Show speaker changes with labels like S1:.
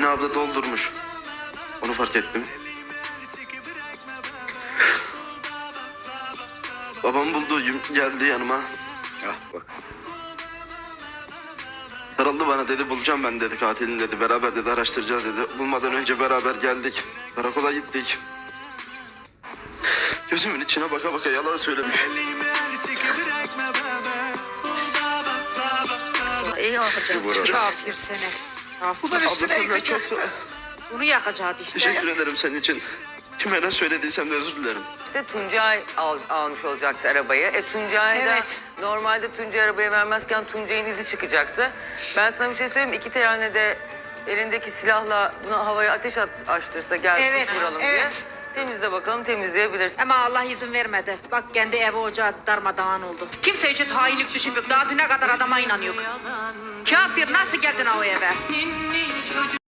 S1: Emine abla doldurmuş. Onu fark ettim. Babam buldu, geldi yanıma.
S2: Ah bak.
S1: Sarıldı bana, dedi bulacağım ben, dedi katilini, dedi. Beraber, dedi, araştıracağız, dedi. Bulmadan önce beraber geldik. Karakola gittik. Gözümün içine baka baka yalan söylemiş.
S3: İyi yakacağız. Kafir seni. Kafir.
S1: Abla senden çok sağ ol.
S3: Bunu yakacağız işte.
S1: Teşekkür ederim senin için. Kime ne söylediysem de özür dilerim.
S4: İşte Tuncay almış olacaktı arabayı. Tuncay da
S3: Evet.
S4: normalde Tuncay arabaya vermezken Tuncay'ın izi çıkacaktı. Ben sana bir şey söyleyeyim mi? İki tane de elindeki silahla buna havaya ateş açtırsa gel
S3: Evet,
S4: vuralım
S3: evet.
S4: diye. Temizle bakalım, temizleyebilirsin.
S3: Ama Allah izin vermedi. Bak kendi evi ocağı darmadağın oldu. Kimse için hainlik düşünmüyor. Daha düne kadar adama inanıyor. Kafir nasıl geldin o eve?